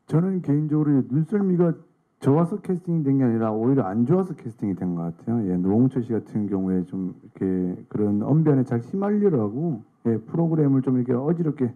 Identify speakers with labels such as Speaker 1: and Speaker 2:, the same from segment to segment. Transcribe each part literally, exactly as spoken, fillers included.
Speaker 1: 저는 개인적으로 눈썰미가 좋아서 캐스팅이 된 게 아니라 오히려 안 좋아서 캐스팅이 된 것 같아요. 예, 노홍철 씨 같은 경우에 좀 이렇게 그런 언변에 잘 휘말리라고 예, 프로그램을 좀 이렇게 어지럽게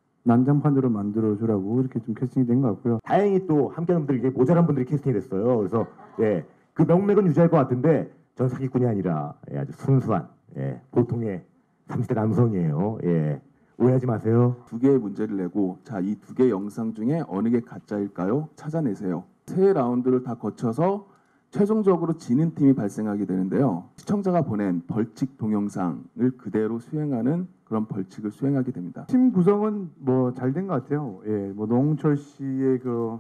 Speaker 1: 난장판으로 만들어 주라고 이렇게 좀 캐스팅이 된 것 같고요.
Speaker 2: 다행히 또 함께하는 분들이 모자란 분들이 캐스팅이 됐어요. 그래서 예, 그 명맥은 유지할 것 같은데 전 사기꾼이 아니라 예, 아주 순수한 예, 보통의 삼십 대 남성이에요. 예, 오해하지 마세요.
Speaker 3: 두 개의 문제를 내고 자, 이 두 개의 영상 중에 어느 게 가짜일까요? 찾아내세요. 세 라운드를 다 거쳐서 최종적으로 지는 팀이 발생하게 되는데요. 시청자가 보낸 벌칙 동영상을 그대로 수행하는 그런 벌칙을 수행하게 됩니다.
Speaker 1: 팀 구성은 뭐 잘 된 것 같아요. 예, 뭐 노홍철 씨의 그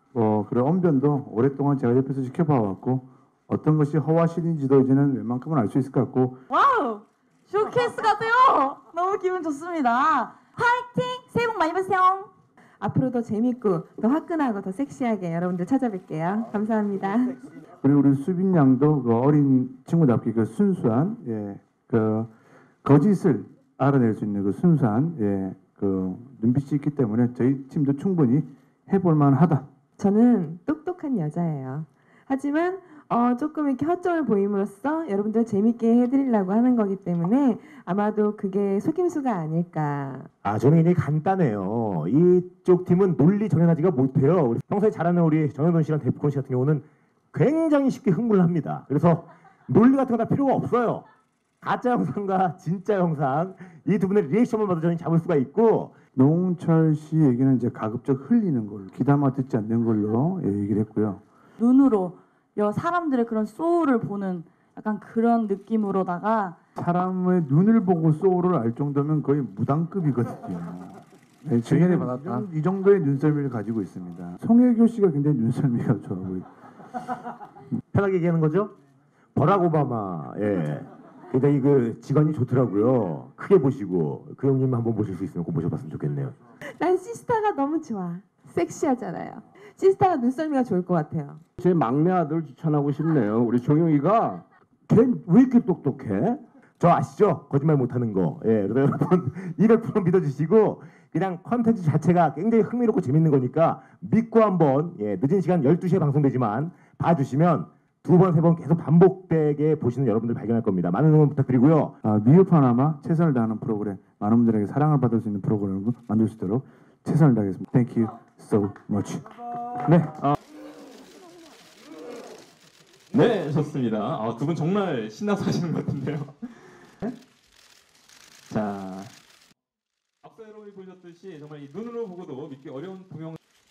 Speaker 1: 뭐 그런 언변도 오랫동안 제가 옆에서 지켜봐 왔고 어떤 것이 허와실인지도 이제는 웬만큼은 알 수 있을 것 같고.
Speaker 4: 와우! 쇼케이스 같아요! 너무 기분 좋습니다. 화이팅! 새해 복 많이 받으세요. 앞으로 더 재밌고 더 화끈하고 더 섹시하게 여러분들 찾아뵐게요. 감사합니다.
Speaker 1: 그리고 우리 수빈 양도 그 어린 친구답게 그 순수한 예, 그 거짓을 알아낼 수 있는 그 순수한 예, 그 눈빛이 있기 때문에 저희 팀도 충분히 해볼 만하다.
Speaker 5: 저는 똑똑한 여자예요. 하지만 어, 조금 이렇게 허점을 보임으로써 여러분들 재밌게 해드리려고 하는 거기 때문에 아마도 그게 속임수가 아닐까.
Speaker 2: 아, 저는 굉장히 간단해요. 이쪽 팀은 논리 정연하지가 못해요. 우리 평소에 잘하는 우리 정현돈 씨랑 데프콘 씨 같은 경우는 굉장히 쉽게 흥분을 합니다. 그래서 논리 같은 거 다 필요가 없어요. 가짜 영상과 진짜 영상 이 두 분의 리액션만 봐도 저는 잡을 수가 있고.
Speaker 1: 노홍철 씨 얘기는 이제 가급적 흘리는 걸로 귀담아 듣지 않는 걸로 예, 얘기를 했고요.
Speaker 4: 눈으로 여 사람들의 그런 소울을 보는 약간 그런 느낌으로다가
Speaker 1: 사람의 눈을 보고 소울을 알 정도면 거의 무당급이거든요. 네, 저희는 받았다. 이 정도의 눈썰미를 가지고 있습니다. 송혜교 씨가 굉장히 눈썰미가 좋아 보이죠.
Speaker 2: 편하게 얘기하는 거죠? 버락 오바마, 예. 굉장히 그 직원이 좋더라고요. 크게 보시고 그 형님 한번 보실 수 있으면 꼭 모셔봤으면 좋겠네요.
Speaker 5: 난 시스타가 너무 좋아. 섹시하잖아요. 시스타가 눈썰미가 좋을 것 같아요.
Speaker 6: 제 막내 아들 추천하고 싶네요. 우리 종영이가 걔 왜 이렇게 똑똑해?
Speaker 2: 저 아시죠? 거짓말 못하는 거. 예, 그래서 여러분 이백 퍼센트 믿어주시고 그냥 컨텐츠 자체가 굉장히 흥미롭고 재밌는 거니까 믿고 한번 예, 늦은 시간 열두 시에 방송되지만 봐주시면 두 번, 세 번 계속 반복되게 보시는 여러분들 발견할 겁니다. 많은 응원 부탁드리고요.
Speaker 1: 아, 미흡하나마 최선을 다하는 프로그램, 많은 분들에게 사랑을 받을 수 있는 프로그램을 만들 수 있도록 최선을 다하겠습니다. Thank you so much. 네. 아.
Speaker 7: 네, 좋습니다. 아, 두 분 정말 신나서 하시는 것 같은데요. 자, 앞서 여러분이 보셨듯이 정말 이 눈으로 보고도 믿기 어려운 동영